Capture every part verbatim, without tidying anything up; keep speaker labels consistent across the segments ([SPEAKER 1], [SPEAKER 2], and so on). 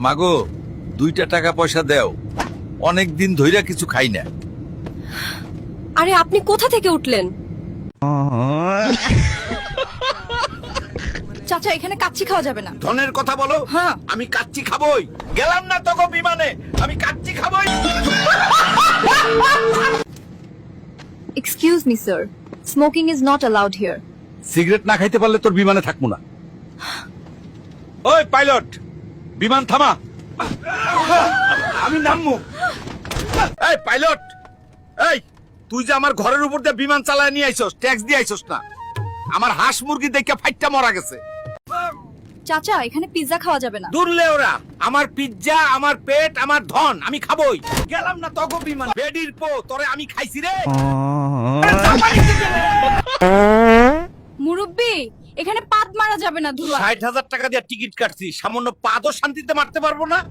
[SPEAKER 1] মাগো দুইটা টাকা পয়সা দেও, অনেক দিন ধইরা কিছু খাই না।
[SPEAKER 2] আরে আপনি কোথা থেকে উঠলেন? চাচা এখানে কাচ্চি খাওয়া যাবে না।
[SPEAKER 1] ধনের কথা বলো।
[SPEAKER 2] হ্যাঁ।
[SPEAKER 1] আমি কাচ্চি খাবই, গেলাম না তোকে বিমানে, আমি কাচ্চি খাবই।
[SPEAKER 2] Excuse me sir, smoking is not allowed here.
[SPEAKER 1] Cigarette না খাইতে পারলে তোর বিমানে থাকবো না। ওই পাইলট, বিমান থামা, আমি নামবো। এই পাইলট, এই তুই যে আমার ঘরের উপর দিয়ে বিমান চালায় নিয়ে আইছস, ট্যাক্স দিয়ে আইছস না? আমার হাঁস মুরগি দেখে ফাইটটা মরা গেছে।
[SPEAKER 2] চাচা এখানে পিৎজা খাওয়া যাবে না।
[SPEAKER 1] দূরলে ওরা, আমার পিজ্জা, আমার পেট, আমার ধন, আমি খাবই। গেলাম না তগো বিমান। বেডির পো তোরে আমি খাইছি রে।
[SPEAKER 2] মুরব্বি এখানে পাদ মারা যাবে না। ধুলা
[SPEAKER 1] ষাট হাজার টাকা দিয়ে টিকিট কাটছি, সামান্য পাদও শান্তিতে মারতে পারবো না।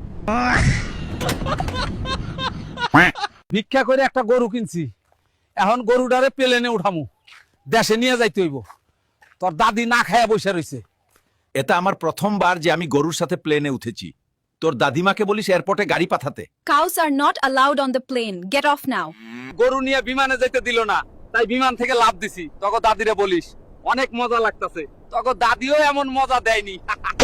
[SPEAKER 3] ভিক্ষা করে একটা গরু কিনছি, এখন গরুটারে প্লেনে উঠামু, দেশে নিয়ে যাইতে হইব। তোর দাদি না খায়া বসে রইছে।
[SPEAKER 1] এটা আমার প্রথমবার যে আমি গরুর সাথে প্লেনে উঠেছি। তোর দাদিমাকে বলিস এয়ারপোর্টে গাড়ি পাঠাতে।
[SPEAKER 2] Cows are not allowed on the plane. Get off now.
[SPEAKER 3] গরু নিয়ে বিমানে যাইতে দিল না, তাই বিমান থেকে লাভ দিছি। তখন দাদিরে বলিস অনেক মজা লাগতাছে। তখন দাদিও এমন মজা দেয়নি।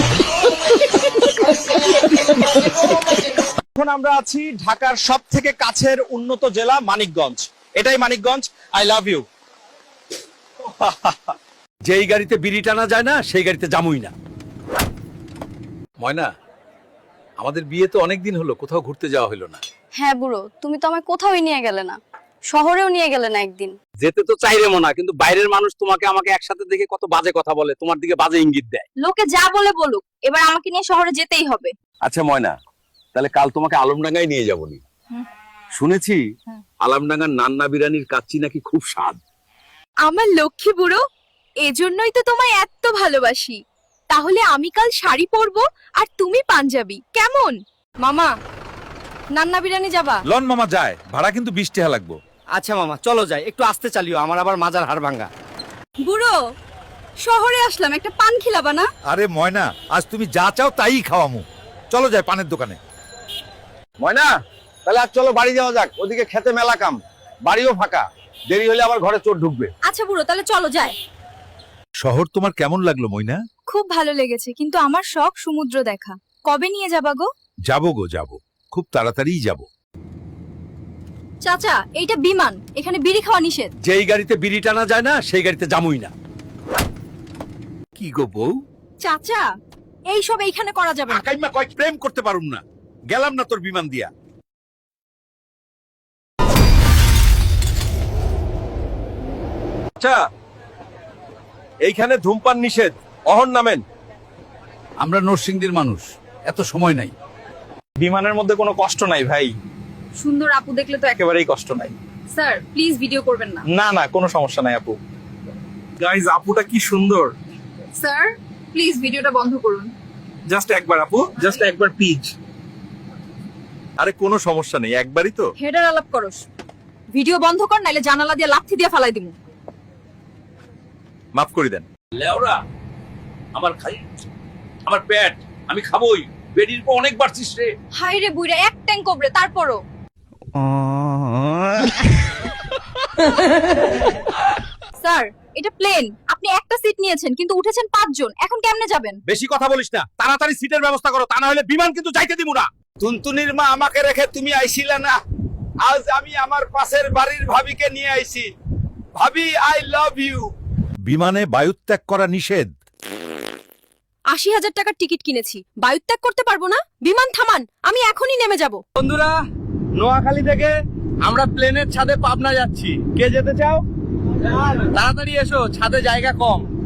[SPEAKER 4] এখন আমরা আছি ঢাকার সব থেকে কাছের উন্নত জেলা মানিকগঞ্জ। এটাই মানিকগঞ্জ। I love you.
[SPEAKER 1] যেই গাড়িতে বিড়ি টানা যায় না, সেই গাড়িতে জামুই না। ময়না, আমাদের বিয়ে তো অনেক দিন হলো, কোথাও ঘুরতে যাওয়া হলো না।
[SPEAKER 5] হ্যাঁ বুড়ো, তুমি তো আমায় কোথাওই নিয়ে গেলে না, শহরেও নিয়ে গেলে না একদিন।
[SPEAKER 3] যেতে তো চাইরে মনা, কিন্তু বাইরের মানুষ তোমাকে আমাকে একসাথে দেখে কত বাজে কথা বলে, তোমার দিকে বাজে ইঙ্গিত দেয়।
[SPEAKER 5] লোকে যা বলে বলুক, এবার আমাকে নিয়ে শহরে যেতেই হবে।
[SPEAKER 1] আচ্ছা ময়না, তাহলে কাল তোমাকে আলমডাঙ্গায় নিয়ে যাবনি। শুনেছি আলমডাঙ্গার নান্না বিরানির কাচ্চি নাকি খুব স্বাদ।
[SPEAKER 2] আমার লক্ষ্মী বুড়ো, এজন্যই তো তোমায় এত ভালোবাসি। তাহলে আমি কাল শাড়ি পরবো আর তুমি পাঞ্জাবি, কেমন? মামা, নান্না বিরিয়ানি যাবা?
[SPEAKER 1] লন মামা যায়, ভাড়া কিন্তু বিশ টাকা লাগবো।
[SPEAKER 4] আচ্ছা মামা চলো যাই, একটু আস্তে চালিও, আমার আবার মাজার হাড় ভাঙ্গা।
[SPEAKER 2] বুড়ো, শহরে আসলাম, একটা পান খিলাবা না?
[SPEAKER 1] আরে ময়না, আজ তুমি যা চাও তাই খাওয়ামু। চলো যাই পানের দোকানে।
[SPEAKER 4] ময়না, তাহলে আজ চলো বাড়ি যাওয়া যাক, ওদিকে খেতে মেলা কাম, বাড়িও ফাঁকা, দেরি হলে আবার ঘরে চোর ঢুকবে।
[SPEAKER 2] আচ্ছা বুড়ো, তাহলে চলো যাই।
[SPEAKER 1] শহর তোমার কেমন লাগলো ময়না?
[SPEAKER 2] খুব ভালো লেগেছে, কিন্তু আমার শখ সমুদ্র দেখা। কবে নিয়ে যাবা গো?
[SPEAKER 1] যাবো গো যাবো, খুব তাড়াতাড়িই যাবো।
[SPEAKER 2] চাচা, এইটা বিমান, এখানে বিড়ি খাওয়া নিষেধ।
[SPEAKER 1] যেই গাড়িতে বিড়ি টানা যায় না, সেই গাড়িতে জামুই না। কি গো বউ?
[SPEAKER 2] চাচা, এই সব এইখানে করা যাবে না।
[SPEAKER 1] আকাইমা কয় প্রেম করতে পারুম না, গেলাম না তোর বিমান দিয়া।
[SPEAKER 4] আচ্ছা, এইখানে ধূমপান নিষেধ, অহন নামেন।
[SPEAKER 3] আমরা নরসিংদীর মানুষ, এত সময় নাই।
[SPEAKER 4] বিমানের মধ্যে কোনো কষ্ট নাই ভাই,
[SPEAKER 2] সুন্দর আপু দেখলে তো এক-
[SPEAKER 4] একেবারেই কষ্ট নাই।
[SPEAKER 2] স্যার প্লিজ ভিডিও করবেন না।
[SPEAKER 4] না না, কোনো সমস্যা নাই আপু। গাইস, আপুটা কি সুন্দর।
[SPEAKER 2] স্যার প্লিজ ভিডিওটা বন্ধ করুন।
[SPEAKER 4] জাস্ট একবার আপু, জাস্ট একবার প্লিজ।
[SPEAKER 1] আরে কোনো সমস্যা নেই, একবারই তো।
[SPEAKER 2] হেডার আলাপ করস, ভিডিও বন্ধ কর, নাইলে জানালা দিয়ে লাথি দিয়ে ফালাই দিমু।
[SPEAKER 1] মাফ করে দেন।
[SPEAKER 6] লেওরা, আমার খাই, আমার পেট, আমি খাবোই। বেডির পর অনেক বাড়ছিস রে।
[SPEAKER 2] হাই রে বুইরা, এক ট্যাঙ্ক কবরে, তারপরও। স্যার এটা প্লেন, আপনি একটা সিট নিয়েছেন কিন্তু উঠেছেন পাঁচজন, এখন কেমনে যাবেন?
[SPEAKER 1] বেশি কথা বলিস না, তাড়াতাড়ি সিটের ব্যবস্থা করো, তা না হলে বিমান কিন্তু যাইতে দিব না।
[SPEAKER 4] টুনটুনির মা আমাকে রেখে তুমি আইছিলে না, আজ আমি আমার পাশের বাড়ির ভাবিকে নিয়ে আইছি। ভাবি, আই লাভ ইউ।
[SPEAKER 1] বিমানে বায়ুত্যাগ করা নিষেধ।
[SPEAKER 2] আশি হাজার টাকার টিকিট কিনেছি, বায়ুত্যাগ করতে পারবো না? বিমান থামান, আমি এখনই নেমে যাব।
[SPEAKER 4] বন্ধুরা, নোয়াখালী থেকে আমরা প্লেনের ছাদে পাবনা যাচ্ছি। কে যেতে চাও? তাড়াতাড়ি এসো, ছাদে জায়গা কম।